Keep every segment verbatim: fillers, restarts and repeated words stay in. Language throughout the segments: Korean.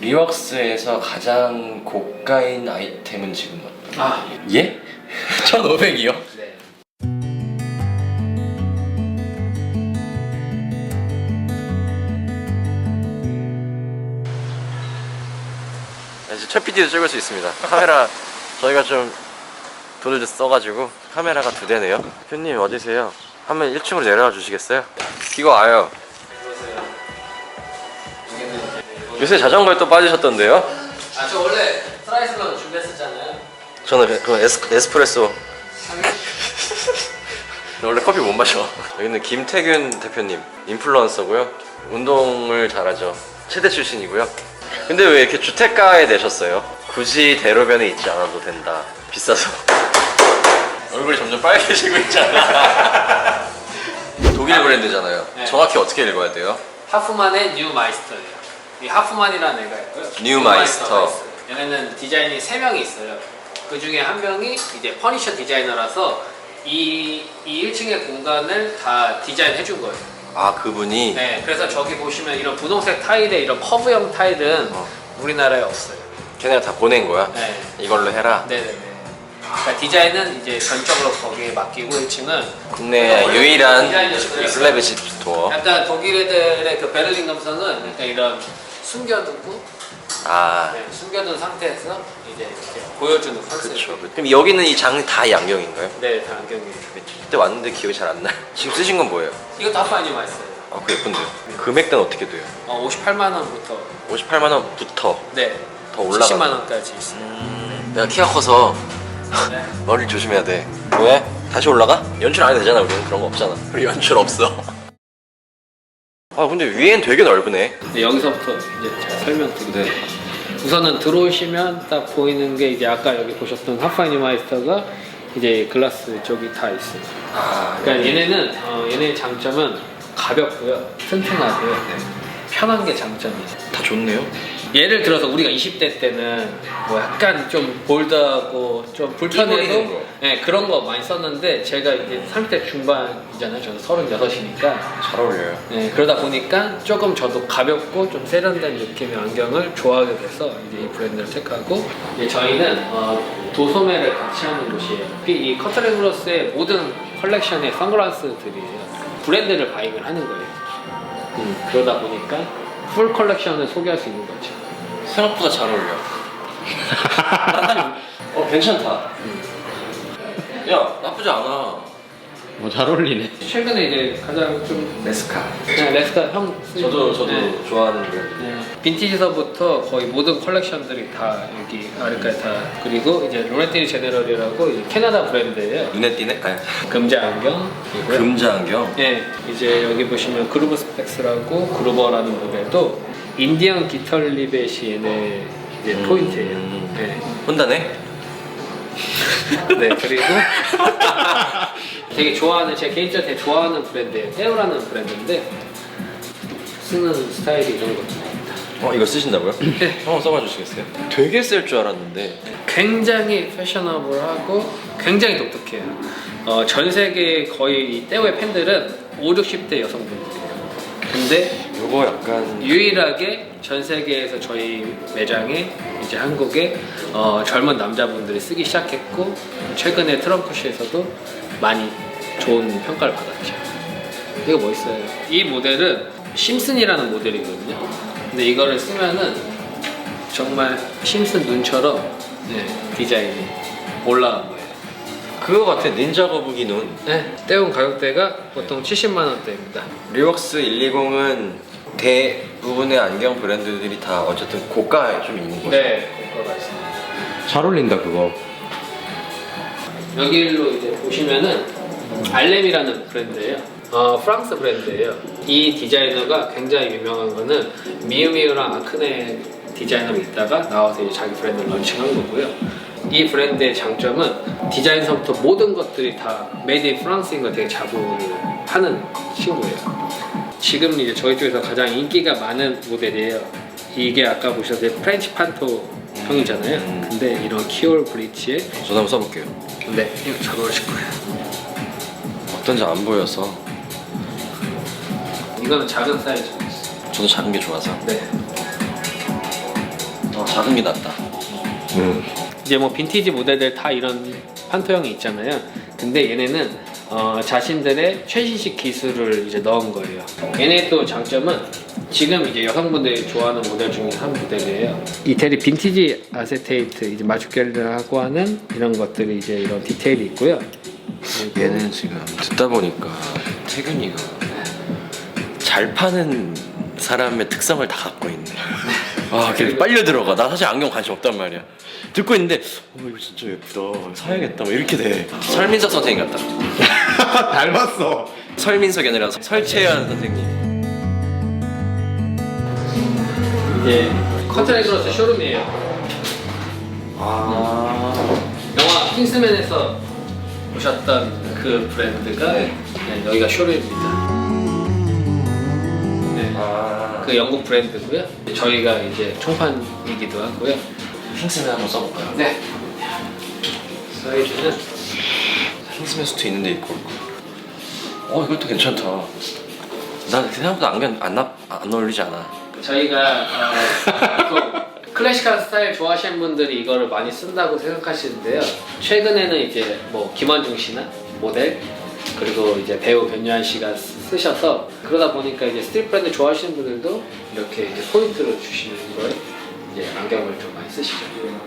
리웍스에서 가장 고가인 아이템은 지금 어떤? 아 예? 천오백이요? 네. 이제 최 피디도 찍을 수 있습니다. 카메라 저희가 좀 돈을 좀 써가지고 카메라가 두 대네요. 대표님 어디세요? 한번 일 층으로 내려와 주시겠어요? 이거 와요. 요새 자전거에 또 빠지셨던데요? 아 저 원래 트라이슬론 준비했었잖아요. 저는 그 에스, 에스프레소 원래 커피 못 마셔. 여기는 김태균 대표님 인플루언서고요. 운동을 잘하죠. 체대 출신이고요. 근데 왜 이렇게 주택가에 내셨어요? 굳이 대로변에 있지 않아도 된다. 비싸서. 얼굴이 점점 빨개지고 있잖아. 독일 브랜드잖아요. 네. 정확히 어떻게 읽어야 돼요? 하프만의 뉴 마이스터예요. 이 하프만이라는 애가 있고요. 뉴 마이스터. 있어요. 얘네는 디자인이 세 명이 있어요. 그 중에 한 명이 이제 퍼니셔 디자이너라서 이, 이 일 층의 공간을 다 디자인해 준 거예요. 아 그분이? 네, 그래서 저기 보시면 이런 분홍색 타일에 이런 커브형 타일은 어. 우리나라에 없어요. 걔네가 다 보낸 거야? 네. 이걸로 해라? 네네네. 그러니까 디자인은 이제 전적으로 거기에 맡기고 일 층은 국내 유일한 디자인이었어요. 슬래비시 스토어. 약간 독일 애들의 그 베를린 감성은 약간 이런 숨겨두고 아 네, 숨겨둔 상태에서 이제 이렇게 보여주는 컨셉. 그쵸. 그럼 여기는 이 장 다 양경인가요? 네, 다 안경이에요. 그때 왔는데 기억이 잘 안 나요. 지금 쓰신 건 뭐예요? 이것도 하프아니마 있어요. 아, 그거 예쁜데요. 금액대는 어떻게 돼요? 어, 오십팔만 원부터 오십팔만 원부터 네, 더 올라가. 칠십만 원까지 있어요. 음, 내가 키가 커서 네. 머리를 조심해야 돼. 왜? 다시 올라가? 연출 안 해도 되잖아. 우리는 그런 거 없잖아. 우리 연출 없어. 아 근데 위엔 되게 넓으네. 네, 여기서부터 이제 제가 설명드릴게요. 네. 우선은 들어오시면 딱 보이는 게 이제 아까 여기 보셨던 하프아니마이스터가 이제 글라스 쪽이 다 있어요. 아 그러니까 얘네는 어, 얘네의 장점은 가볍고요, 튼튼하고요, 네. 편한 게 장점이에요. 다 좋네요. 예를 들어서 우리가 이십 대 때는 뭐 약간 좀 볼드하고 좀 끼부리는 불편해도 거. 네, 그런 거 많이 썼는데 제가 이제 삼십 대 중반이잖아요. 저는 서른여섯이니까 잘 어울려요. 네, 그러다 보니까 조금 저도 가볍고 좀 세련된 느낌의 안경을 좋아하게 돼서 이제 이 브랜드를 택하고 이제 저희는 어, 도소매를 같이 하는 곳이에요. 이 커트레글러스의 모든 컬렉션의 선글라스들이에요. 브랜드를 바잉을 하는 거예요. 음, 그러다 보니까 풀 컬렉션을 소개할 수 있는 거죠. 생각보다 잘 어울려. 어 괜찮다. 야 나쁘지 않아. 뭐 잘 어울리네. 최근에 이제 가장 좀 레스카. 네, 레스카 형 쓰는 저도 거. 저도 네. 좋아하는 브랜드. 네. 빈티지서부터 거의 모든 컬렉션들이 다 여기 아래까지 다. 그리고 이제 로렌티니 제네럴이라고 이제 캐나다 브랜드예요. 눈에 띄네. 아니, 금자 안경이고요. 금자 안경. 네, 이제 여기 보시면 그루브 스펙스라고 그루버라는 모델도 인디언 깃털리벳이 얘네 이제 음. 포인트예요. 네. 혼다네. 네, 그리고 되게 좋아하는, 제 개인적으로 되게 좋아하는 브랜드예요. 테오라는 브랜드인데 쓰는 스타일이 이런 것들입니다. 어 이거 쓰신다고요? 네. 한번 써봐 주시겠어요? 되게 쓸 줄 알았는데. 굉장히 패셔너블하고 굉장히 독특해요. 어, 전 세계 거의 이 떼오의 팬들은 오십, 육십 대 여성분들이에요. 근데 요거 약간 유일하게 전 세계에서 저희 매장에 이제 한국에 어, 젊은 남자분들이 쓰기 시작했고 최근에 트럼프시에서도 많이 좋은 평가를 받았죠. 이거 멋있어요. 이 모델은 심슨이라는 모델이거든요. 근데 이거를 쓰면은 정말 심슨 눈처럼 네, 디자인이 올라간 거예요. 그거 같아. 닌자 거북이 눈. 네, 떼온 가격대가 보통 칠십만 원대입니다. 리웍스 백십은 대부분의 안경 브랜드들이 다 어쨌든 고가에 좀 있는 거죠. 네, 고가가 있습니다. 잘 어울린다 그거. 여기로 이제 보시면은 알렘이라는 브랜드예요. 어, 프랑스 브랜드예요. 이 디자이너가 굉장히 유명한 거는 미우미우랑 아크네 디자이너로 있다가 나와서 이제 자기 브랜드를 런칭한 거고요. 이 브랜드의 장점은 디자인서부터 모든 것들이 다 메이드 인 프랑스인 걸 되게 자부를 하는 친구예요. 지금 이제 저희 쪽에서 가장 인기가 많은 모델이에요. 이게 아까 보셨을 때 프렌치 판토 형이잖아요. 음. 근데 이런 키올 브릿지에 저도 한번 써볼게요. 네, 이거 잘 어울리실 거예요. 어떤지 안 보여서. 이거는 작은 사이즈. 저도 작은 게 좋아서. 네. 작은 게 낫다. 음. 이제 뭐 빈티지 모델들 다 이런 판토형이 있잖아요. 근데 얘네는 어, 자신들의 최신식 기술을 이제 넣은 거예요. 얘네 또 장점은 지금 이제 여성분들이 좋아하는 모델 중에 한 모델이에요. 이태리 빈티지 아세테이트 이제 마주결하고 하는 이런 것들이 이제 이런 디테일이 있고요. 얘는 지금 듣다 보니까 태균이가 잘 파는 사람의 특성을 다 갖고 있네. 아, 걔 빨려 들어가. 나 사실 안경 관심 없단 말이야. 듣고 있는데, 어, 이거 진짜 예쁘다. 사야겠다. 뭐 이렇게 돼. 설민석 선생님 같다. 닮았어. 설민석이 아니라 설채연 선생님. 이게 커트레그로스 쇼룸이에요. 아. 영화 킹스맨에서 보셨던 그 브랜드가 네. 네, 여기가 쇼룸입니다. 네. 아. 그 영국 브랜드고요. 저희가 이제 총판이기도 하고요. 킹스맨 한번 써볼까요? 네. 사이즈는 킹스맨 수트 있는데 입고 올 거야. 어, 이것도 괜찮다. 난 생각보다 안경 안, 나, 안 어울리지 않아. 저희가 어, 또 클래식한 스타일 좋아하시는 분들이 이거를 많이 쓴다고 생각하시는데요. 최근에는 이제 뭐 김원중 씨나 모델 그리고 이제 배우 변요한 씨가 쓰셔서 그러다 보니까 이제 스트릿 브랜드 좋아하시는 분들도 이렇게 이제 포인트를 주시는 거에 이제 안경을 좀 많이 쓰시죠.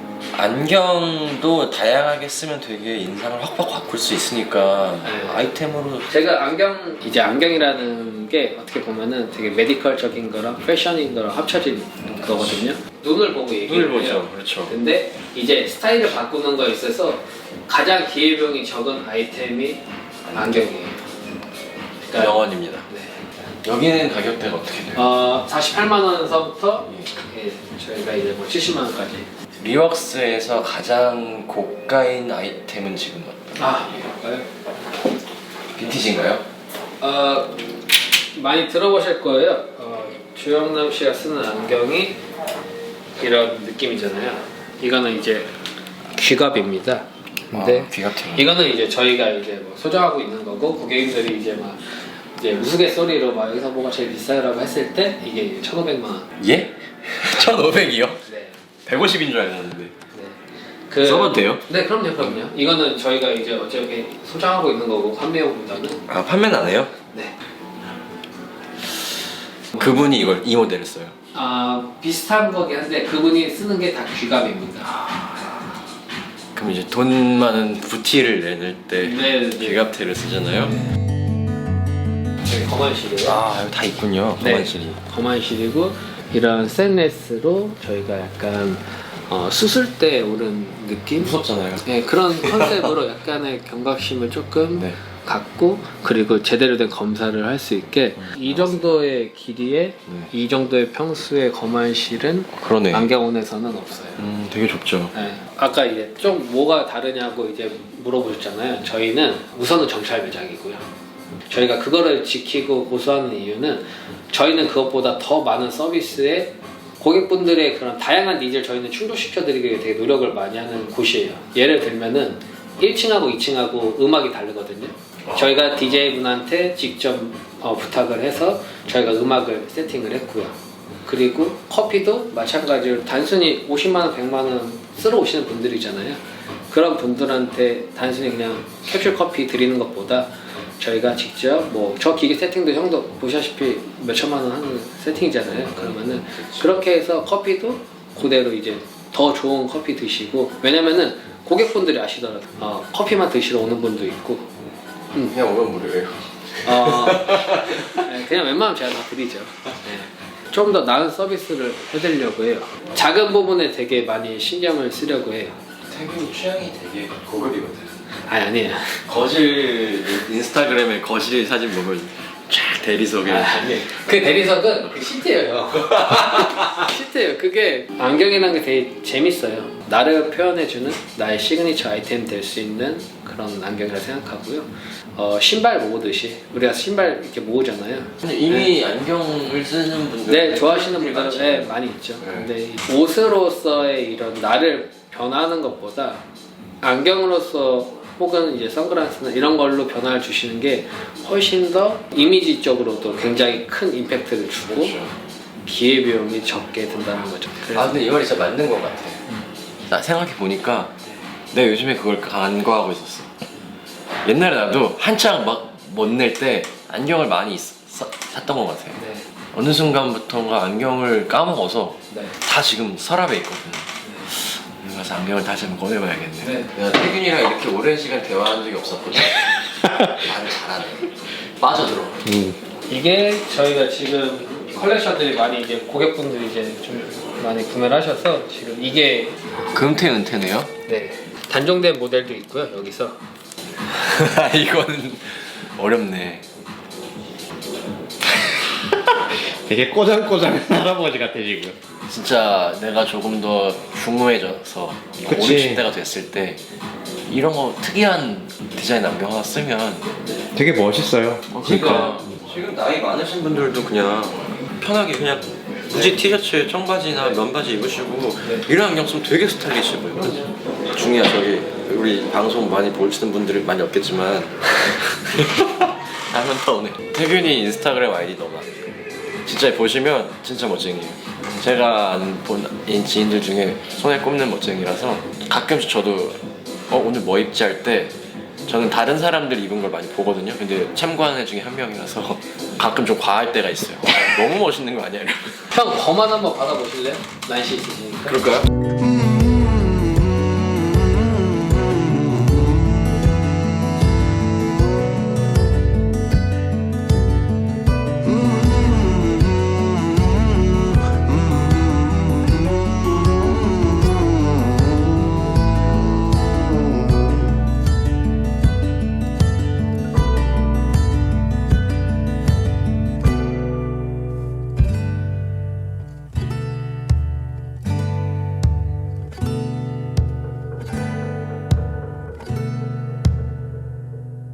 안경도 다양하게 쓰면 되게 인상을 확확 바꿀 수 있으니까 네. 아이템으로. 제가 안경 이제 안경이라는 게 어떻게 보면은 되게 메디컬적인 거랑 패션인 거랑 합쳐진 거거든요. 눈을 보고 얘기를 눈을 해요. 보죠. 그렇죠. 근데 이제 스타일을 바꾸는 거에 있어서 가장 기회비용이 적은 아이템이 안경이에요. 그러니까 명언입니다. 네. 여기는 가격대가 어떻게 돼요? 어, 사십팔만 원서부터 예, 저희가 이제 뭐 칠십만 원까지. 리웍스에서 가장 고가인 아이템은 지금 어떤? 아, 볼까요? 빈티지인가요? 어, 많이 들어보실 거예요. 어, 주영남 씨가 쓰는 안경이 이런 느낌이잖아요. 이거는 이제 귀갑입니다. 근데 아, 귀갑템. 이거는 이제 저희가 이제 뭐 소장하고 있는 거고 고객님들이 이제 막 이제 우스갯소리로 막 여기서 뭐가 제일 비싸요라고 했을 때 이게 천오백만 원. 예? 천오백이요? 네. 백오십인 줄 알았는데. 네. 그, 써봐도 돼요? 네, 그럼요, 그럼요. 이거는 저희가 이제 어차피 소장하고 있는 거고 판매용보다는. 아, 판매는 안 해요? 네. 그분이 이걸 이 모델을 써요. 아, 비슷한 거긴 한데 그분이 쓰는 게 다 귀갑입니다. 그럼 이제 돈 많은 부티를 내낼 때 네, 네. 귀갑테를 쓰잖아요. 저기 검은 실이에요. 아, 여기 다 있군요. 네. 검은 실이. 검은 실이고 이런 스테인레스로 저희가 약간 어, 수술 때 오른 느낌? 무섭잖아요. 네, 그런 컨셉으로 약간의 경각심을 조금 네. 갖고 그리고 제대로 된 검사를 할 수 있게 이 정도의 길이에 네. 이 정도의 평수의 검은 실은 그러네. 안경원에서는 없어요. 음, 되게 좁죠. 네. 아까 이제 좀 뭐가 다르냐고 이제 물어보셨잖아요. 저희는 우선은 정찰 매장이고요. 저희가 그거를 지키고 고수하는 이유는 저희는 그것보다 더 많은 서비스에 고객분들의 그런 다양한 니즈를 저희는 충족시켜드리기 위해 되게 노력을 많이 하는 곳이에요. 예를 들면은 일 층하고 이 층하고 음악이 다르거든요. 저희가 디제이분한테 직접 어, 부탁을 해서 저희가 음악을 세팅을 했고요. 그리고 커피도 마찬가지로 단순히 오십만 원, 백만 원 쓰러 오시는 분들이잖아요. 그런 분들한테 단순히 그냥 캡슐 커피 드리는 것보다 저희가 직접 뭐 저 기계 세팅도 형도 보시다시피 몇 천만 원 하는 세팅이잖아요. 그러면은 그렇게 해서 커피도 그대로 이제 더 좋은 커피 드시고, 왜냐면은 고객분들이 아시더라도 어, 커피만 드시러 오는 분도 있고 음. 그냥 오면 무료예요. 어, 네, 그냥 웬만하면 제가 다 드리죠. 네. 좀 더 나은 서비스를 해드리려고 해요. 작은 부분에 되게 많이 신경을 쓰려고 해요. 태균이 취향이 되게 고급이거든. 아니 아니에요. 거실 인스타그램에 거실 사진 보면 쫙 대리석에 아, 아니에요. 그 대리석은 그 시트예요. 시트예요. 그게 안경이라는 게 되게 재밌어요. 나를 표현해주는 나의 시그니처 아이템 될 수 있는 그런 안경이라 생각하고요. 어, 신발 모으듯이 우리가 신발 이렇게 모으잖아요. 근데 이미 네. 안경을 쓰는 분들 네, 좋아하시는 분들은 네, 많이 있죠. 네. 근데 옷으로서의 이런 나를 변화하는 것보다 안경으로서 혹은 이제 선글라스나 이런 걸로 변화를 주시는 게 훨씬 더 이미지적으로도 굉장히 큰 임팩트를 주고, 그렇죠. 기회비용이 적게 든다는 거죠. 아 근데 이 말이 진짜 맞는 것 같아. 나 생각해 보니까 내가 요즘에 그걸 간과하고 있었어. 옛날에 나도 한창 막 못 낼 때 안경을 많이 사, 샀던 것 같아. 네. 어느 순간부터인가 안경을 까먹어서 네. 다 지금 서랍에 있거든. 그래서 안경을 다시 한번 꺼내봐야겠네. 네. 내가 태균이랑 이렇게 오랜 시간 대화한 적이 없었거든. 말을 잘하네. 빠져들어. 음. 이게 저희가 지금 컬렉션들이 많이 이제 고객분들이 이제 좀 많이 구매를 하셔서 지금 이게 금태 은태네요? 네 단종된 모델도 있고요. 여기서 이거는 어렵네. 되게 꼬장꼬장한 할아버지 같아 지금. 진짜 내가 조금 더 중후해져서 그치. 오십 대가 됐을 때 이런 거 특이한 디자인 안경 하나 쓰면 되게 멋있어요. 그러니까 지금 나이 많으신 분들도 그냥 편하게 그냥 굳이 티셔츠에 청바지나 면바지 입으시고 이런 안경 쓰면 되게 스타일리시해 보이거든. 중이야 저기 우리 방송 많이 보시는 분들이 많이 없겠지만 하면 더 오네. 태균이 인스타그램 아이디 너가 진짜 보시면 진짜 멋쟁이에요. 제가 아는 본 지인들 중에 손에 꼽는 멋쟁이라서 가끔씩 저도 어 오늘 뭐 입지 할 때 저는 다른 사람들 입은 걸 많이 보거든요. 근데 참고하는 애 중에 한 명이라서 가끔 좀 과할 때가 있어요. 너무 멋있는 거 아니야? 이러면. 형 범한 한번 받아보실래요? 날씨 있으시니까. 그럴까요?